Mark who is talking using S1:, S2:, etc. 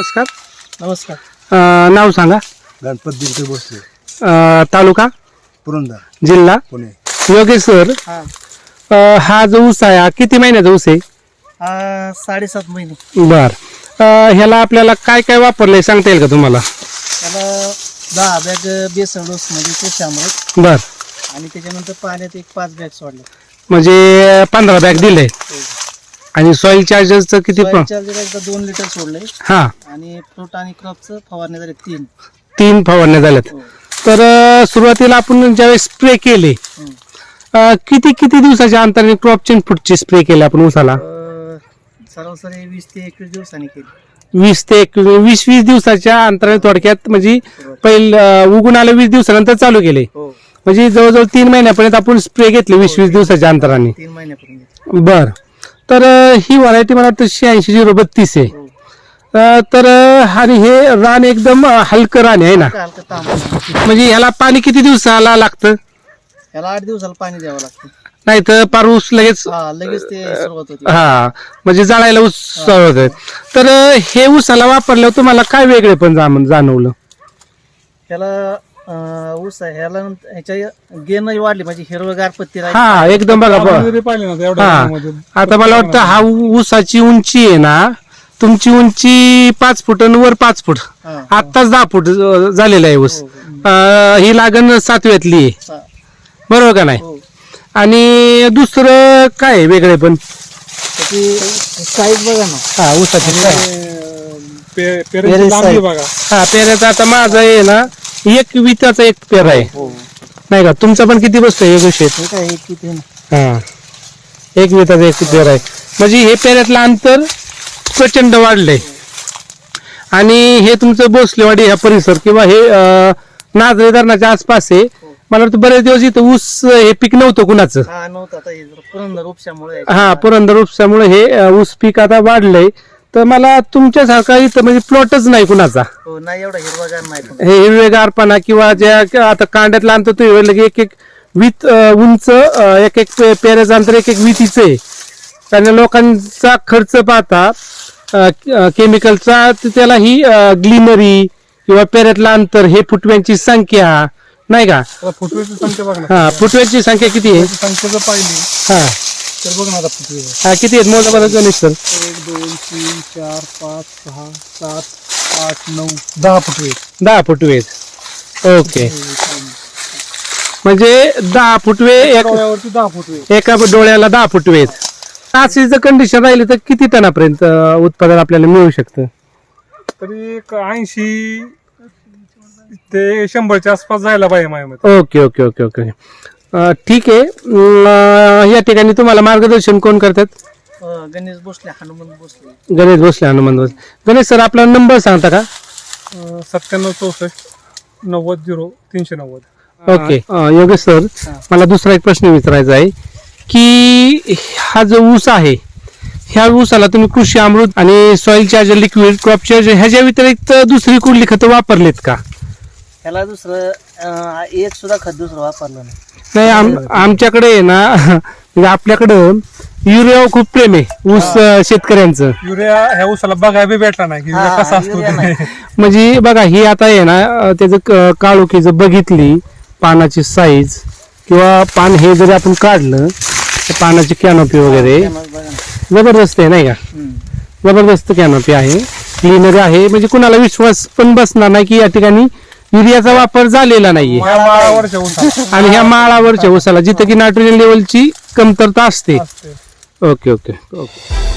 S1: नमस्कार.
S2: नमस्कार.
S1: नाव सांगा.
S3: गणपत दिलते भोसले,
S1: तालुका
S3: पुरंदर,
S1: जिल्हा
S3: पुणे.
S1: योगेश सर, हा जो ऊस आहे हा किती महिन्याचा ऊस आहे?
S2: 7.5 महिने.
S1: बर. ह्याला आपल्याला काय काय वापरलंय सांगता येईल का तुम्हाला?
S2: त्याला 10 बॅग बेसन डोस म्हणजे ते शामृत
S1: बर.
S2: आणि त्याच्यानंतर पाण्यात एक 5 बॅग सोडले.
S1: म्हणजे 15 बॅग दिले. आणि सॉइल चार्जरचं किती?
S2: चार्जर एकदा 2 लिटर सोडले.
S1: हा.
S2: आणि फ्रूट आणि क्रॉपचं फवारणी झाले
S1: 3 फवारण्या झाल्यात. तर सुरुवातीला आपण ज्यावेळेस स्प्रे केले किती दिवसाच्या अंतराने क्रॉप चेंज फूटचे स्प्रे केले आपण ऊसाला?
S2: सरासरी 20 ते 21 दिवसांनी केली.
S1: 20 ते 21 दिवसाच्या अंतराने थोडक्यात म्हणजे पहिलं उगून आलं 20 दिवसानंतर चालू केले. म्हणजे जवळजवळ 3 महिन्यापर्यंत आपण स्प्रे घेतले 20 दिवसाच्या अंतराने.
S2: 3 महिन्यापर्यंत.
S1: बर. तर ही व्हरायटी मला वाटतं 86-032 आहे. तर आणि हे रान एकदम हलकं रान आहे ना, म्हणजे ह्याला पाणी किती दिवसाला लागतं?
S2: याला 8 दिवसाला पाणी द्यावं लागतं.
S1: नाही तर पार ऊस लगेच
S2: ते सुरुवात होती.
S1: हा, म्हणजे जाळायला ऊस सुरुवात आहे. तर हे ऊसाला वापरल्यावर तुम्हाला काय वेगळे पण जाणवलं?
S2: त्याला ऊस आहे ह्याला ह्याच्या गेन वाढली म्हणजे हिरवगार पत्ती राहिली.
S1: हा एकदम बघा. हा, आता मला वाटतं हा ऊसाची उंची आहे ना, तुमची उंची 5 फूट आणि वर 5 फूट, आत्ताच 10 फूट झालेला आहे ऊस. ही लागण 7व्यातली आहे, बरोबर का नाही? आणि दुसरं काय वेगळे पण?
S2: साईज बघा ना.
S1: हा, ऊसाची
S3: बघा.
S1: हा, पेऱ्याचा आता माझा आहे ना 1 विताचा 1 पेरा आहे, नाही का? तुमचा पण किती बसतोय एक शेत? हा, 1 विताचा 1 पेरा आहे. म्हणजे हे पेऱ्यातलं अंतर प्रचंड वाढलंय. आणि हे तुमचं भोसलेवाडी हा परिसर किंवा हे नाझरे धरणाच्या आसपास आहे. मला वाटतं बरेच दिवस इथं ऊस हे पीक नव्हतं कुणाचं. पुरंदर उपशामुळे हे ऊस पीक आता वाढलंय. तर मला तुमच्यासारखा इथं म्हणजे प्लॉटच नाही कुणाचा. हे हिरवेगारपणा किंवा ज्या आता कांड्यातला आणतो तो एक वीत उंच, एक पेऱ्याचं अंतर एक वितीचं आहे. आणि लोकांचा खर्च पाहता केमिकलचा, त्याला ही ग्लिनरी किंवा पेऱ्यातलं अंतर, हे फुटव्यांची संख्या नाही का?
S3: फुटव्याची संख्या बघा.
S1: हा, फुटव्यांची संख्या किती आहे?
S3: संख्या जर पाहिली
S1: हा
S3: तर बघ ना आता फुटवे.
S1: हा, किती आहेत मोजा बघा गणेश सर?
S3: 1 2 3 4 5 6 7 8 9 10 फुटवे.
S1: 10 फुटवे आहेत. ओके, म्हणजे 10 फुटवे
S3: डोळ्यावरती 10 फुटवे.
S1: एका डोळ्याला 10 फुटवे आहेत. अशी जर कंडिशन राहिली तर किती टनापर्यंत उत्पादन आपल्याला मिळू शकतं?
S3: तरी 80 ते 100च्या आसपास जायला पाहिजे माझ्या मते.
S1: ओके ओके ओके ओके, ठीक आहे. या ठिकाणी तुम्हाला मार्गदर्शन कोण करतात?
S2: गणेश भोसले, हनुमंत भोसले.
S1: गणेश भोसले, हनुमंत भोसले. गणेश सर, आपला नंबर सांगता का?
S3: 97 64 90 0 390.
S1: ओके. योगेश सर, मला दुसरा एक प्रश्न विचारायचा आहे की हा जो ऊस आहे, ह्या ऊसाला तुम्ही कृषी अमृत आणि soil charger, liquid crop charger ह्याच्या व्यतिरिक्त दुसरी कुठली खतं वापरलीत का?
S2: ह्याला दुसरं एक सुद्धा खत दुसरं वापरलं नाही.
S1: आमच्याकडे आहे ना, म्हणजे आपल्याकडं युरिया खूप प्रेम आहे ऊस शेतकऱ्यांचं.
S3: युरिया ह्या ऊसाला बघायला बी भेटला नाही कसा असतो ते.
S1: म्हणजे बघा, ही आता आहे ना, त्याचं काळोखी जर बघितली, पानाची साईज किंवा पान हे जरी आपण काढलं तर पानाची कॅनोपी वगैरे जबरदस्त आहे नाही का? जबरदस्त कॅनोपी आहे, क्लिनर आहे. म्हणजे कुणाला विश्वास पण बसणार नाही की या ठिकाणी युरियाचा वापर झालेला नाहीये. आणि ह्या माळावरच्या ऊसाला जिथे की नायट्रोजन लेवलची कमतरता असते. Okay okay okay.